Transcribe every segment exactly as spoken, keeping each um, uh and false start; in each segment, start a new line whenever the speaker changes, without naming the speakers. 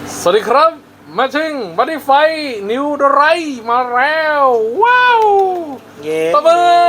สวัสดีครับมาชิงบันดี้ไฟนิวดไรมาแล้วว้าวเย้ตบมือ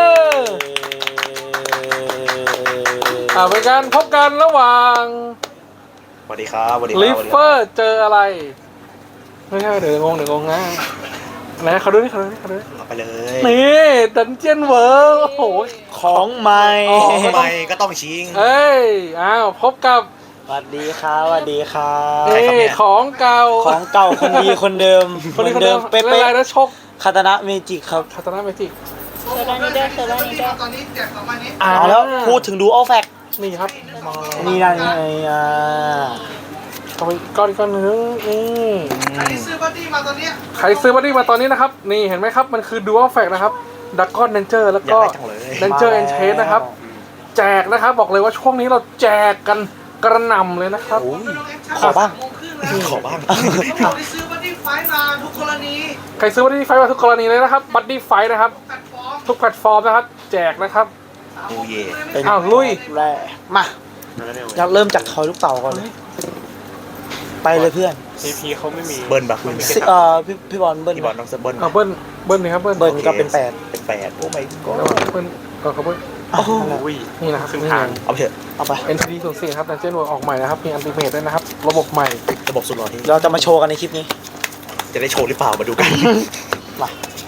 อ่าเป็นการพบกันระหว่าง
สวัสดีครับสวัสดีครับ
ลิฟเฟอร์เจออะไรไม่ใช่เดี๋ยวงงเดี๋ยวงงนะไหนเขาดูนี่เขาดูนี่เขาดูนี่
เอาไปเลย
นี่ดันเจียนเวิร์โอ้โห
ของใหม่
ของใหม่ก็ต้องชิง
เอ้ยอ้าวพบกับ
สวัสดีครับสวัสดีครับ
นี่ของเก่า
ของเก่าคนดีคนเดิม
คนดีคนเดิมเป๊ะๆนะชก
คาตานะเมจิกครับ
คาตานะเมจิก
เซอร์รานิเดอร์เซอร์รานิเดอร์
ตอนนี้แจกสองวันนี้
เอาแล้วพูดถึงดูอัลแฟก
นี่ครับ
นี่นั่นไงอ่า
ก้อนก้อนก้อนนึงนี่
ใครซื้อบัตตี้มาตอนนี้
ใครซื้อบัตตี้มาตอนนี้นะครับนี่เห็นไหมครับมันคือดูอัลแฟกนะครับดักก้อนเดนเจอร์แล้วก็เดนเจอร์เอ็นเชสนะครับแจกนะครับบอกเลยว่าช่วงนี้เราแจกกันกระหน่ำเลยนะครับ
ขอบ้าง
ขอบ้าง
เขาบอกที่ซื้อบัตตี้ไฟมาทุกกรณี
ใครซื้อบัตตี้ไฟมาทุกกรณีเลยนะครับบัตตี้ไฟนะครับทุกแพลตฟอร์มนะครับแจกนะครับ
โอ้เย่
อ้าวลุย
แร่มาเราเริ่มจากทอยลูกเต่าก่อนเลยไปเลยเพื่อน
พีพีเขาไม่มี
เบิ้ลบักไม่มี
เอ่อพี่พี่บอลเบิ้ล
พี่บอลต้องเบิ้ล
อ่าเบิ้ลเบิ้ลนี่ครับเบิ้ล
เบิ้ลก็เป็นแปด
เป็นแปดโอ้ไม่ก็
เบิ้ลก็เขาเบิ้ล
โอ้โห
นี่นะครับครึ่งทาง
เอาไปเถอะ
เอาไป
เอ็น ที ดี ศูนย์ สี่ครับดันเจี้ยนเวิร์ออกใหม่นะครับมีอัลติเมทด้วยนะครับระบบใหม่
ระบบสุดหล่อที่
เราจะมาโชว์กันในคลิปนี้
จะได้โชว์หรือเปล่ามาดูกัน
มา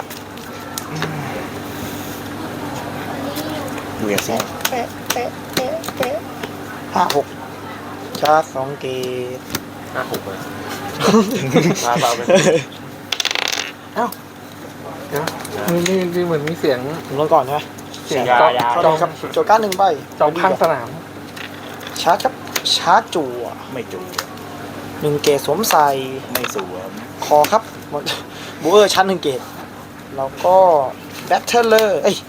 ดูอย่างซิ
เป๊ะเป๊ะเป๊ะเป๊ะห้าหกชาร์จสองเกต
ห้าหกเลยมาเบาไปเอ้าเดี๋ยวนี่นี่เหมือนมีเสียง
ลงก่อนใช่ไหม
เสียง
จองครับโจก้าหนึ่งใบ
จองข้างสนาม
ชาร์จครับชาร์จจั่ว
ไม่จั่ว
หนึ่งเกตสวมใส่
ไม่สวม
คอครับบูเออร์ชั้นหนึ่งเกตแล้วก็แบทเทิลเลอร์เอ้ย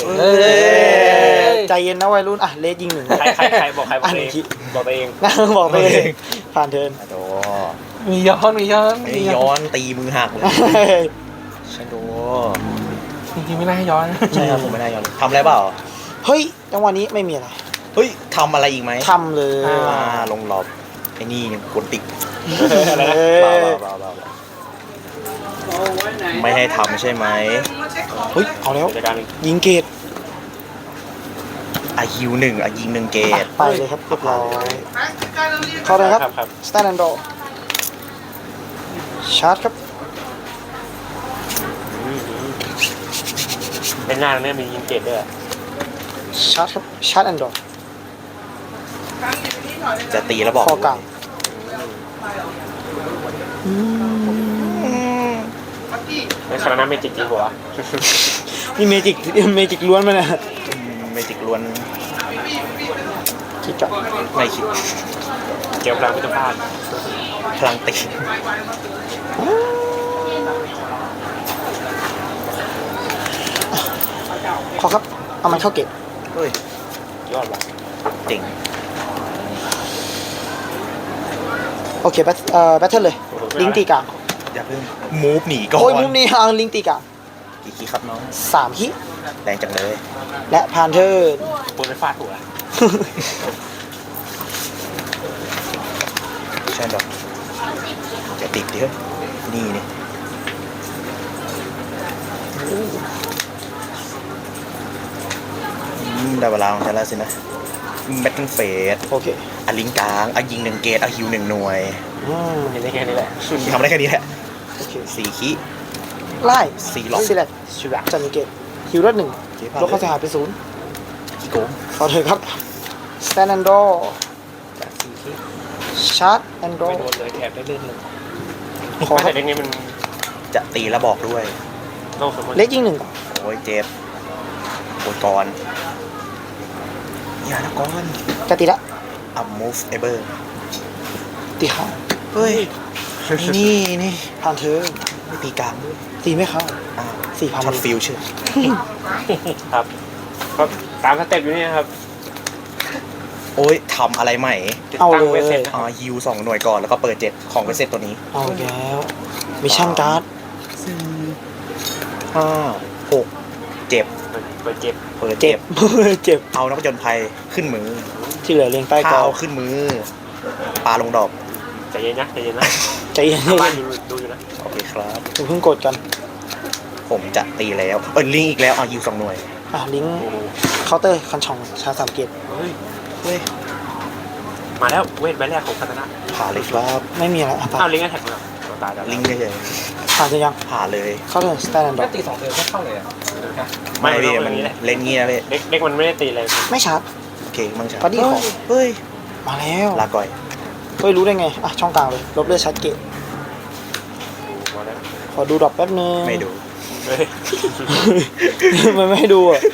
ใจเย็นนะวัยรุ่นอ่ะเลสยิงหนึ่ง
ใครใครใครบอกใครบอกเองบอกเอง
นะบอกไปเองผ่านเทิร์น
โด
มีย้อนมีย้อน
มีย้อนตีมือหักเลยใช่โด
จริงๆไม่น่าให้ย้อน
ใช่ครับผมไม่ได้ย้อนทำอะไรเปล่า
เฮ้ยจังหวะนี้ไม่มีอะไร
เฮ้ยทำอะไรอีกไหม
ทำเลย
อ่าลงหลบไอ้นี่กดติ๊ก
อะไรนะ
บ้าบ้าบ้าบ้าไม่ให้ทำใช่ไหม
เฮ้ยเอาแล้วยิงเกต
อายิวหนึ่งอายิงหนึ่งเกต
ไปเลยครับเรียบร้อยเข้าเลยครับสแตนด์ดอร์ชาร์จครับ
เป็นหน้าเนี่ยมียิงเกตด้วย
ชาร์จครับชาร์จแอนด์ดอร์
จะตีแล้วบอก
ข้อกลาง
ไม่ใช่นะเมจิกจริงหัว
นี่เมจิกเมจิกล้วนมาเนี่ย
เมจิกล้วน
คิดจับ
ไม่คิด
เกี่ยวพลังพิจารณา
พลังตี
ขอครับเอามันเข้าเก็บ
เฮ้ย
ยอดว่ะ
เจ๋ง
โอเคแบทเอ่อแบทเทิลเลยลิงตีกลาง
อย่าเพิ่งมูฟหนีก่อน
โอ้ยมูฟหนีเอาลิงตีกลาง
กี่คีครับน้อง
สามคี
แรงจังเลย
และพานเทอร์
บนไปฟาดหัว
ใช่ดอกจะติดดินี่นี่ได้เวลาของฉันแล้วสินะแบทเทิลเฟส
โอเค
อ่ะลิงกลางอ่ะยิงหนึ่งเกตอ่ะฮิวหนึ่งหน่วย
เห็นได้แค่นี้แหละ
ทำได้แค่นี้แหละ
โอเค
สี่คี
ไล่
สี่ล็อก
ซีเล็กชิวะจันนิเกตฮิวรถหนึ่งลดค่าเสียหายไปศูนย์
กี่โกง
ขอเถอะครับสแตนด์ดอร์ชาร์จแอนด์ดอร์
ไม่โดนเลยแถบได้เลื่อนเลย
ขอครับ
เล็กนี้มัน
จะตีแล้วบอกด้วย
เล็กยิงหนึ่ง
โอ้ยเจ็บโอ้ยก่อนอย่านะก่อน
จะตีละ
อัมมูฟเอเบอร์
ตีห้า
เฮ้ยนี่นี่
ผ่านเธอ
ไม่ตีกลางด้วย
ตีไม่เข้า
อ้าว
สี่พัน
ช็อตฟิลเชื่อ
ครับก็ตามสเต็ปอยู่นี่ครับ
โอ้ยทำอะไรใหม่
เอาเลย
อ่าฮิวสองหน่วยก่อนแล้วก็เปิดเจ็ดของเวสเซตตัวนี้
เอาแล้วมิชชั่นการ์ด
สี่ห้าหกเจ็บ
เปิดเจ็บ
เปิดเจ็บ
เจ็บ
เอานักผจญภัยขึ้นมือ
ที่เหลือเรียงใต้กอ
เอาขึ้นมือปลาลงดอก
ใจเย็นนะใจเย็นนะ
ใจเย็น
ทางบ้านดูดูอยู่นะ
โอเคครับ
อย่าเพิ่งกดกัน
ผมจะตีแล้วเออลิงอีกแล้วอ่ะยิวสองหน่วย
อ่ะลิงก์
โอ้โห
เคาน์เตอร์คันช่องชาสามเกียรติ
เฮ้ย
เฮ้ย
มาแล้วเวทใบแรกของคาตานะ
ผ่าเลยครับ
ไม่มีอะไรอ่ะ
อ้าวลิงก์แท็กมาเราตายแล้ว
ลิงเฉย
ผ่านจะยัง
ๆผ่าเลย
เข้าเทิร์นสแตนด์ดอก
ตีสองเดือนไม่เข้าเลยอ่ะ
ไม่
ไม่
ไม่
พี่
มั
มัน น
นี้แหละ
เล่นเงี้ยพี่
เด็กเด็กมันไม่ได้ตีอะไร
ไม่ชาร์จ
โอเคมั่งจ้ะ
บัดดี้ขอ
เฮ้ย
มาแล้ว
ลาก่อย
เฮ้ยรู้ได้ไงอ่ะช่องกลางเลยลบเลือดชาร์จเกต
มาแล้ว
ขอดูดรอปแป๊บนึง
ไม่ดู
เฮ้ย
มันไม่ให้ดูอ่ะ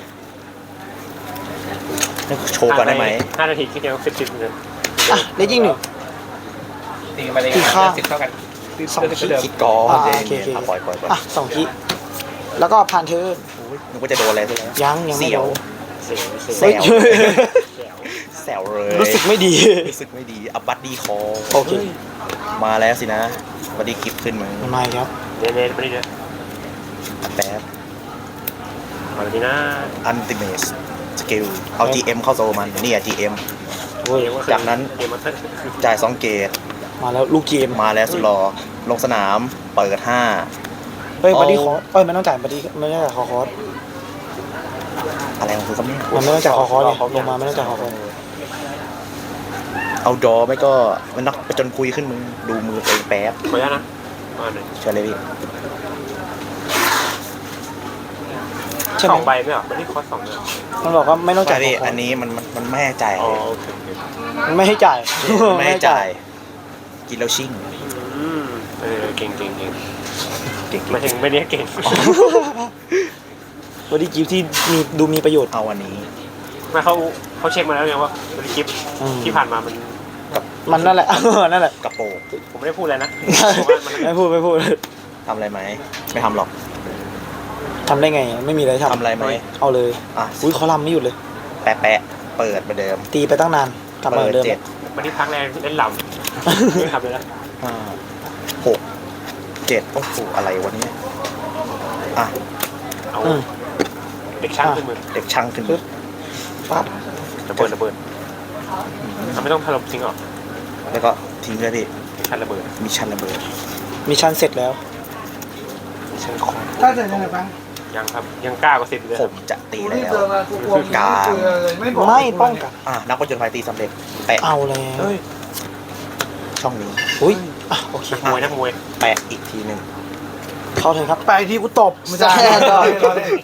โชว์ก่อนได้ไหม
ห้านาทีคิดเดียวสิบสิบเลย
อ่ะเลขยิ่งหนึ่ง
ตีมาเลย
ตีข้าง
สิบเท่ากัน
สองขีด
คิดก่อน
อ่า
เจ
โอเคโอเค
อ่ะปล่อยปล่อยปล่อย
อ่ะสองขีดแล้วก็ผ่านเทิร์น
โอ้ยนึกว่าจะโดนอะไรซะแล้ว
ยังยังไม่
เสียว
โดน
เสียวเสียว
แซ
เฮ้ยว
เสียว
แซวเลย
รู้สึกไม่ดี
รู้สึกไม่ดีอับบัตดีคอ
โอเค
มาแล้วสินะบัดดี้กิฟขึ้นมา
มันมาอีกครับ
เน้นเน้นไปดิเด้อ
แป๊บ
มาเลยนะ
อันติเมสสกิลเอา จี เอ็ม เข้าโซมันนี่อ่ะ จี เอ็ม
โอ้ย
จากนั้น
เกมมันเถอะ
จ่ายสองเกต
มาแล้วลูกเกม
มาแล้วสุดหล่อลงสนามเปิดห้า
เฮ้ย
เอา
บัดดี้คอร์สเอ้ยมันต้องจ่ายบัดดี้ไม่ต้องจ่ายคอคอร์ส
อะไรของคุณครับเนี่ย
มันไม่ต้องจ่ายคอคอร์สเนี่ยลงมาไม่ต้องจ่ายคอคอร์ส
เอาดอไม่ก็มันนักไปจนคุยขึ้นมึงดูมือตัวเองแป๊บ
ขออนุญาตนะมาหนึ่ง
เชิญเลยพี่
ใช่
ส
ไหม
องใบไม่เหรอไม่ได้คอสสองเลยเหรอ
มันบอกว่าไม่ต้อง
ใช่
จ่ายคอ
พี่
คอ
อั
ร์
น
ส
นี้มันมันมันไม่ให้จ่าย
อ๋อโอเคโอเค
มันไม่ให้จ่าย
ไม่ให้จ่าย กินแล้วชิ่ง
อืมเออเก่งเก่งเก่ง
เก่ง
หมายถึงไม่ได้เก่ง
บัดดี้กิฟที่มีดูมีประโยชน์
เอาอันนี้
ไม่เขาเขาเช็คมาแล้วไงว่าบริกิฟ
อืม
ที่ผ่านมามัน
มันนั่นแหละ นั่นแหละ
กระโปรง
ผมไม่ได้พูดอะไรนะผมว่ามัน
ไม่พูดไม่พูด
ทำอะไรไหมไม่ทำหรอก
ทำได้ไงไม่มีอะไรทำ
ทำอะไรไหม
เอาเลย
อ่ะ
อุ้ยเขาลำไม่หยุดเลย
แปะแปะเปิดเหมือนเดิม
ตีไปตั้งนานกลับมา
เปิ
เหมื
ด
อนเดิม
เจ็ด
วันที่พักแรงเล่นลำไม่ทำเลยนะ
ห้าหกเจ็ดโอ้โหอะไรวะเนี่ยอ่ะ
เอา
อืม
เด็กช่างขึ้นมือ
เด็กช่างขึ้น
ปึ๊บ ปั๊บ
ระเบิดระเบิดทำไม่ต้องถล่มจริงเหรอ
แล้วก็ทิ้งเลยพี่
ชันระเบิด
มิชชั่นระเบิด
มิชชั่นเสร็จแล้ว
ชันคอ
ถ้าเสร็จยังไงบ้าง
ยังครับยังกล้ากว่าสิบเลย
ผมจะตี
กู
แล้
รีบ
ว
เจอมากูกลัว
กลาง
เจอเลยไม่บอก
ไม่ป้องกัน
อ่ะนักผจญภัยตีสำเร็จแปะ
เอาแล้ว
เฮ้ย
ช่องนี้
อุ้ยอ่ะโอเค
นักมวยนักมวย
แปะอีกทีหนึ่ง
เข้าเถอะครับ
ไปที่กูตบไม่ใช่
ใช่
รอเล่นรอเล่น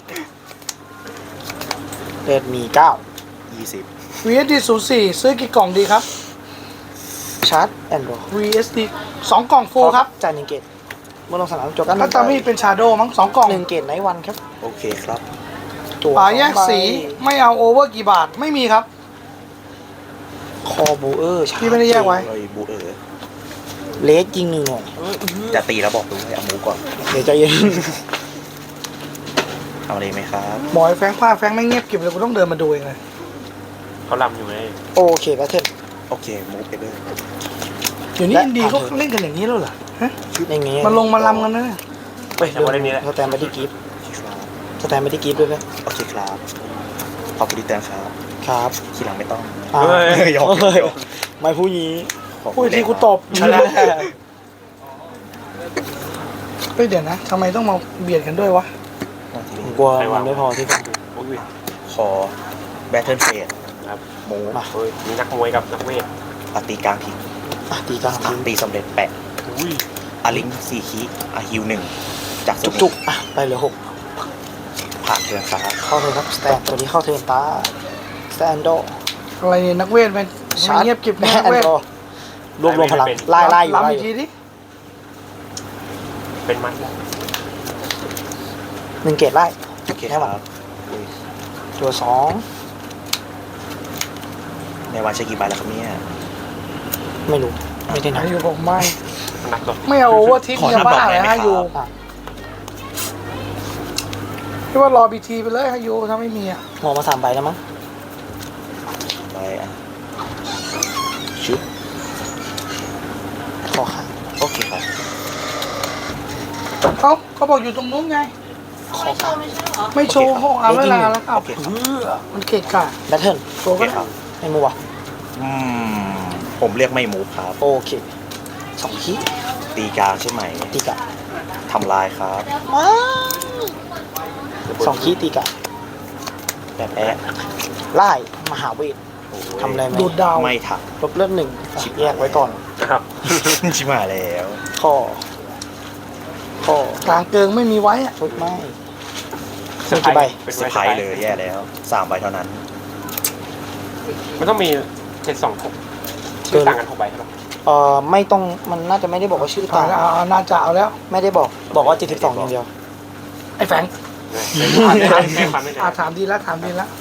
เดินมีเก้า
ยี่สิบ
วีเอสดีศูนย์สี่ซื้อกี่กล่องดีครับ
ชาร์จแอนด์โร
วี เอส ดี สองกล่องฟูลครับ
จ่ายหนึ่งเกตเมื่อลงสนามจบกัน
ถ้าตามี่เป็นชาโดมั้งสองกล่อง
หนึ่งเกตไนท์วันครับ
โอเคครับ
ตัว
ป่าแยก
สองใบ
สีไม่เอาโอเวอร์กี่บาทไม่มีครับ
คอบูเออร์ชา
พี่ไม่ได้แยกไว้
เลยบูเออร์
เลสยิงหนึ่งหน่อย
จะตีแล้วบอกดูให้เอาหมูก่อน
เดี๋ยวใจเย็น
เอาอะไรไหมครับ
บอยแฟงพลาดแฟงไม่เงียบกริบเลยกูต้องเดินมาดูเองเลย
เขาลำอยู่ไง
โอเคแพทเทิร์น
โอเคมูฟไปเลย
เดี๋ยวนี้
และ
อินดีเขา
ผ่านเถอะ
เล่นกันอย่างนี้แล้วเหรอฮะ
อย่างงี้
มันลงมาลำกันนะเนี่ย
เฮ้ยทำอะไรนี่แหละ
สแตนไปที่กิฟต์
ครับ
สแตนไปที่กิฟต์ด้วยนะ
โอเคครับขอบคุณที่เตือนครับ
ครับ
ทีหลังไม่ต้อง
อ่า
เฮ้ย
ยอม
เฮ้ย
ยอม
ไม่พูดงี้
ขอบ
พู
คุ
ด
ณ
ที่กูตบชนะเฮ้ยเดี๋ยวนะทำไมต้องมาเบียดกันด้วยวะ
ผมกลัวมันไม่พอที่ผม
โอ้ย
ขอแบทเทิลเฟส
ครับ
หมู
มา
เฮ้ยมีนักมวยกับนักเวท
อาตีกลางทิ้ง
อ่ะตีกลาง
อ่ะ
ทิ้ง
ตีสำเร็จแปะ
อุ้ย
อาลิงสี่คีอาฮิวหนึ่งจากโซน
จุ
นี้
กๆอ่ะไปเหลือหก
ผ่านเทือนครับ
เข้าเทิร์นครับสแตนตัวนี้เข้าเทิร์นตาสแตนโด
อะไรเนี่ยนักเวทมัน
ชาร์จ
เงียบกริบ
แม่
นัก
แอน
เวท
โดรวบรวมพลังไล่ไล่อยู่ไล่
ลำ
อ
อีกที
ยู่
ดิ
เป็นมันแล้ว
หนึ่งเกตไล่
โอเค
แค่
ค
วัน
รับอุ้ย
ตัวสอง
ในวันใช้กี่ใบแล้วครับเนี่ย
ไม่รู้ไม่ได้นับ
อยู่ผมไม่
มันหนักหรอก
ไม่เอาโอเวอร์ทิป
ขอ
เนี่ย
นับดอก
บ้า
ได้
เลย
ไหม
ฮะ
ค
อยู่
รับ
พี่ว่ารอบีทีไปเลยฮะอยู่ถ้าไม่มีอ่ะ
หัวมาสามใบแล้วมั้ง
ใบอ่ะชุบ
ขอข้าง
โอเคครับ
เอ้าเขาบอกอยู่ตรงนู้นไง
ขอข้าง
ไม่โชว์ห้องอ่ะเวลาแล้วครับ
โอเคครับ
เออมันเกะกะ
แบทเทิล
ตัว
โอเค
ก็
ครับ
ไม่มัว
อืมผมเรียกไม่มูฟครับ
โอเคสองขี้
ตีกลางใช่ไหม
ตีกะ
ทำลายครับ
มาสองขี้ตีกะ
แบบแอะ
ไล่มหาเวททำอะไรไหม
ดูดดาว
ไม่ถัก
ลบเลือดหนึ่งแยกไว้ก่อน
นะครับ
ชิบหายแล้ว
ข้อข้อก
ลางเกิงไม่มีไว้อะ
ชุดไม่มีกี่ใบ
เป็น
เซอร์ไพรส์เลยแย่แล้วสามใบเท่านั้น
มันต้องมีเจ็ดสองหกชื่อต่างกันหกใบใช่ปะ
เอ่อไม่ต้องมันน่าจะไม่ได้บอกว่าชื่อ
ต่า
ต่าง ง
เอาเอาน่าจะเอาแล้ว
ไม่ได้บอกบอกว่าเจ็ดสิบสองอย่างเดียว
ไอ้แฟง
แค่ความไม่
อา
ได้
ถามดีแล้วถามดีแล้ว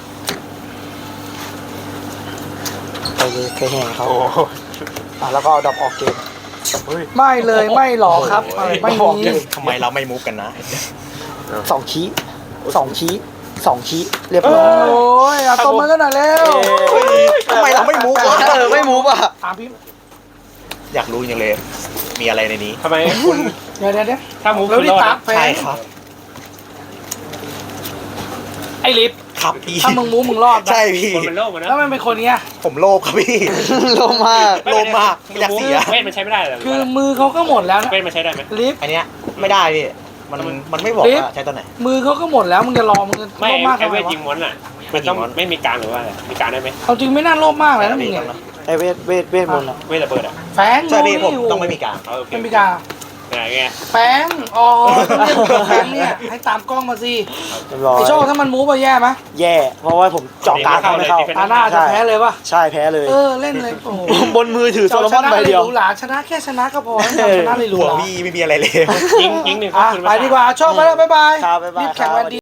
เคยเคยแห่เขา
โอ้โห
อ่ะแล้วก็เอาดอกออกเกม
เฮ้ย
ไม่เลยไม่หรอกครับ
โอ้ย
ไม่มี
ทำไมเราไม่มุกกันนะ
สองขี้สองขี้สองขี้เรียบ
โอ้
ร้อย
ยเอาตัวมือกันหน่อยเร็ว
ทำไมเราไม่มุกวะ
เออไม่มูฟอ่ะ
ถามพี่
อยากรู้จังเลย มีอะไรในนี้
ทำไมคุณ
เดี๋ยวเดี๋ยวเดี๋ยว
ถ้ามูฟ
แล้ว
คุณ
นี่
รอด
ตา
อะ
แฟง
ใช่ครับ
ไอ้ลิฟ
ครับพี่
ถ้ามึงมูมึงรอดนะ
ใช่พี่
คนเป็นโรคมันนะ
แล้วมันเป็นคนเนี้ย
ผมโลภครับพี่
โลมาก
โลภมากไม่อยากเสีย
เวทมันใช้ไม่ได้เหรอ
คือมือเขาก็หมดแล้วนะ
เวทมันใช้ได้ไหม
ลิฟ
อันเนี้ยไม่ได้พี่ มันมันไม่บอก
ลิฟ
ว่าใช้ตัวไหน
มือเขาก็หมดแล้วมึงจะรอมึงจะ
ไม่
โลภมาก
ไอ
ทำไม
เวท
วะ
ยิงม้วนอ่ะมันต้อง
ยิงม้วน
ไม่มีการหรือว่าอะไรมีการได้ไหม
เอาจริงไม่น่าโลภมากเลยนะมึงเนี่ย
ไอเวทเวทเวทมนต์อ่ะ
เวทระเบิดอ่ะ
แฟง
ใช่พี่
ดู
ผม
ดิ
ต้องไม่มีการ
เอาโอเค
ไม่มีกา
ไหนไง
แฟงอ๋อต้องเรียกแฟงเนี่ยให้ตามกล้องมาสิ
เรียบร้อย
ไอโชคถ้ามันมูฟไปแย่ไหม
แย่ เพราะว่าผมเจาะกลางเขาไม่เข้า
ตาหน้าจะแพ้เลยป่ะ
ใช่แพ้เลย
เออเล่นเลยโอ้โห
บนมือถือโซโลมอนใบเดียว
หรูหราชนะแค่ชนะก็พอแล้วทำชนะเลยหรู
หัว
หรา
พี่ไม่มีอะไรเลย
ยิงยิงหนึ่งเขา
อ่ะ
คืน
ไปดีกว่าโชคไปแล้วบ๊ายบาย
ครับบ๊ายบาย
รีบแข่ง
ครับ
วันดี